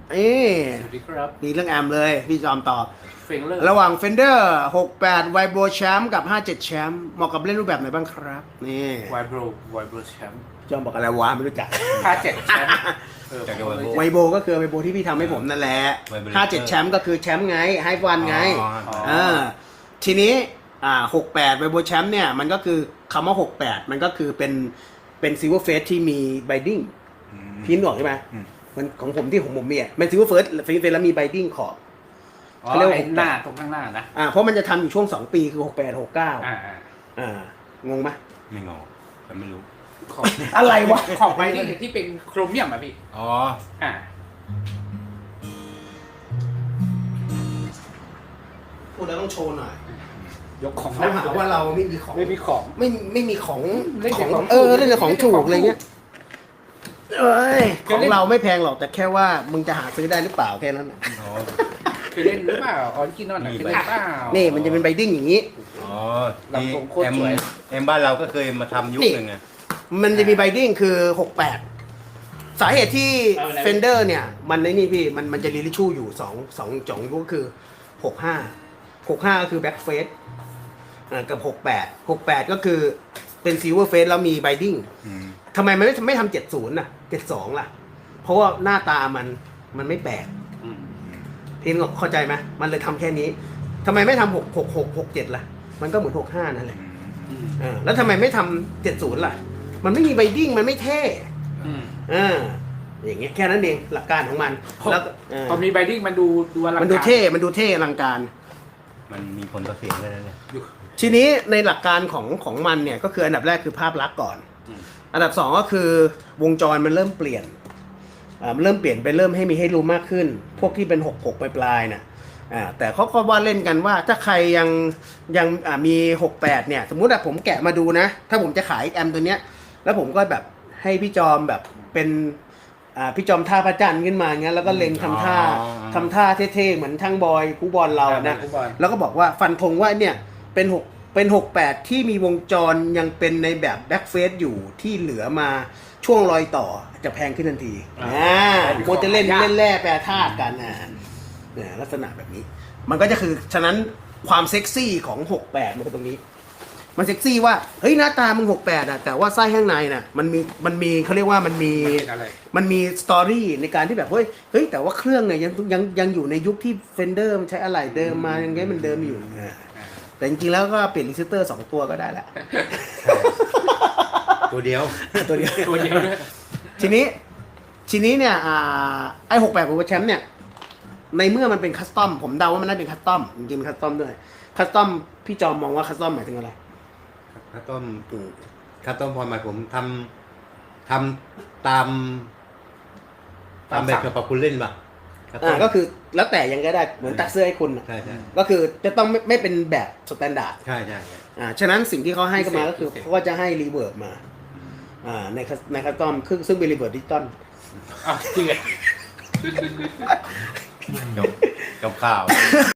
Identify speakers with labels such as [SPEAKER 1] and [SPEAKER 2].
[SPEAKER 1] เอ๊ะ
[SPEAKER 2] สวัสดีครับ
[SPEAKER 1] มีเรื่องแอมเลยพี่จอมตอบ
[SPEAKER 2] เฟงเลอร์
[SPEAKER 1] ระหว่าง Fender 68 Vibro Champ กับ 57 Champ เหมาะกับเล่นรูปแบบไหนบ้างครับ นี่
[SPEAKER 2] ไวโบรแชมป์
[SPEAKER 1] จอมบอกอะไรวะไม่รู้จัก
[SPEAKER 2] 57แชมป์
[SPEAKER 3] จากไวโบ
[SPEAKER 1] ไวโบก็คือไวโบที่พี่ทำให้ผมนั่นแหละ
[SPEAKER 3] Vibro
[SPEAKER 1] 57 แชมป์ก็คือแชมป์ไงไฮฟันไง
[SPEAKER 3] อ๋อ
[SPEAKER 1] ทีนี้68 Vibro Champ เนี่ยมันก็คือคำว่า 68 มันก็คือเป็นซิลเวอร์เฟสที่มีไบดิ้งพี่นึกออกใช่ไหม
[SPEAKER 3] อืม
[SPEAKER 1] มันของผมที่ผมมีอ่ะเป็นซิลเวอร์เฟสแล้วมีไบดิ้งขอบ
[SPEAKER 2] อ๋อ
[SPEAKER 1] เขาเรียกว่า
[SPEAKER 2] ไอ้หน้าตรงข้างหน้านะ
[SPEAKER 1] เพราะมันจะทำอยู่ช่วง 2 ปีคือ 68 69
[SPEAKER 2] อ่า
[SPEAKER 1] งงไหม
[SPEAKER 3] ไม่งอแต่ไม่รู้
[SPEAKER 2] ของ
[SPEAKER 1] อะไรวะ
[SPEAKER 2] ของไบดิ้งที่เป็นโครเมียมอ่ะพี่
[SPEAKER 3] อ๋อ
[SPEAKER 2] อ่า
[SPEAKER 1] พูดแล้วต้องโชว์หน่อย
[SPEAKER 2] ยกของ
[SPEAKER 1] เขาหาว่าเราไม่มีของ
[SPEAKER 2] ไม่มีของ
[SPEAKER 1] ไม่มีของ
[SPEAKER 2] เล่นแต่ของ
[SPEAKER 1] เล่นแต่ของถูกอะไรเงี้ยเอ้ยของเราไม่แพงหรอกแต่แค่ว่ามึงจะหาซื้อได้หรือเปล่าแค่นั้นน่ะ
[SPEAKER 3] อ๋อ
[SPEAKER 2] คือเล่นหรือเปล่าออริจินอลนะ
[SPEAKER 3] มี
[SPEAKER 2] คือเล่นเปล่า
[SPEAKER 1] นี่มันจะเป็นไบดิ้งอย่างนี้
[SPEAKER 3] อ๋อ
[SPEAKER 2] ลำทรงโคตร
[SPEAKER 3] แอม
[SPEAKER 2] สวย
[SPEAKER 3] แอมบ้านเราก็เคยมาทำยุคหนึ่งไง
[SPEAKER 1] มันจะมีไบดิ้งคือ 68 สาเหตุที่ Fender เนี่ย มันในนี่พี่มันจะรีลิชูอยู่2จ่องก็คือ 65ก็คือ back face กับ 68ก็คือเป็น silver face แล้วมีไบดิ้ง
[SPEAKER 3] อืม
[SPEAKER 1] ทำไมมันไม่ทำ70น่ะ72ล่ะ เพราะว่าหน้าตามันไม่แปลก
[SPEAKER 2] อืม
[SPEAKER 1] พี่นกเข้าใจไหมมันเลยทำแค่นี้ทำไมไม่ทำ67ล่ะ มันก็เหมือน65นั่นแหละ
[SPEAKER 3] อืม
[SPEAKER 2] อืม
[SPEAKER 1] แล้วทำไมไม่ทำ70ล่ะ มันไม่มีไบดิ้งมันไม่เท่
[SPEAKER 2] อืม
[SPEAKER 1] อย่างเงี้ยแค่นั้นเองหลักการของมันแล้วก็
[SPEAKER 2] พอมีไบดิ้งมันดูอลังการ
[SPEAKER 1] มันดูเท่อลังการ
[SPEAKER 3] มันมีผลต่อเสียงด้วยนะเนี่ย
[SPEAKER 1] ทีนี้ในหลักการของมันเนี่ยก็คืออันดับแรกคือภาพลักษณ์ก่อน
[SPEAKER 2] อืม
[SPEAKER 1] อันดับสองก็คือวงจรมันเริ่มเปลี่ยนมันเริ่มเปลี่ยนไปเริ่มให้มีให้รู้มากขึ้น พวกที่เป็น66ปลายๆน่ะแต่เขาก็ว่าเล่นกันว่าถ้าใครยังมี68เนี่ยสมมุติว่าผมแกะมาดูนะ ถ้าผมจะขายแอมตัวเนี้ยแล้วผมก็แบบให้พี่จอมแบบเป็นพี่จอมท่าพระจันทร์ขึ้นมาเงี้ยแล้วก็เล็งทำท่าเท่ๆเหมือนช่างบอยคูบอลเรานะ
[SPEAKER 2] ฟุตบอล
[SPEAKER 1] แล้วก็บอกว่าฟันธงว่าเนี่ยเป็น68ที่มีวงจรยังเป็นในแบบแบ็กเฟสอยู่ที่เหลือมาช่วงรอยต่อจะแพงขึ้นทันทีโมจะเล่นแร่แปรธาตุกันเนี่ยลักษณะแบบนี้ มันก็จะคือฉะนั้นความเซ็กซี่ของ68มันเป็นตรงนี้ มันเซ็กซี่ว่าเฮ้ยหน้าตามึง68แต่ว่าไส้ข้างในน่ะมันมีเขาเรียกว่ามันมี
[SPEAKER 2] เป็นอะไร
[SPEAKER 1] มันมีสตอรี่ในการที่แบบเฮ้ยแต่ว่าเครื่องเนี่ยยังอยู่ในยุคที่เฟนเดอร์มันใช้อะไหล่เดิมมายังไงมันเดิมอยู่แต่จริงๆแล้วก็เปลี่ยนรีเซสเตอร์2ตัวก็ได้แหละ
[SPEAKER 3] ตัวเดียว
[SPEAKER 1] ตัวเดียว
[SPEAKER 2] ตัวเดียวด้วย
[SPEAKER 1] ทีนี้เนี่ยไอ้68ของแชมป์เนี่ยในเมื่อมันเป็นคัสตอมผมเดาว่ามันน่าเป็นคัสตอมจริงๆเป็นคัสตอมด้วยคัสตอมพี่จอมมองว่าคัสตอมหมายถึงอะไร
[SPEAKER 3] ข้าวต้มพอหมายผมทำตามแบบกับคุณเล่นป่ะข้าวต้ม
[SPEAKER 1] ก็คือแล้วแต่ยังก็ได้เหมือนตัดเสื้อให้คุณน่ะ
[SPEAKER 3] ใช่ใช่
[SPEAKER 1] ก็คือจะต้องไม่เป็นแบบสแตนดาร์ด
[SPEAKER 3] ใช่ใช่
[SPEAKER 1] ฉะนั้นสิ่งที่เขาให้ก็มาก็คือเขาก็จะให้รีเวิร์บมาในคัสตอมซึ่งเป็นรีเวิร์บดิจิตอล
[SPEAKER 2] อ่ะจริงเหรอ
[SPEAKER 3] กับข้าว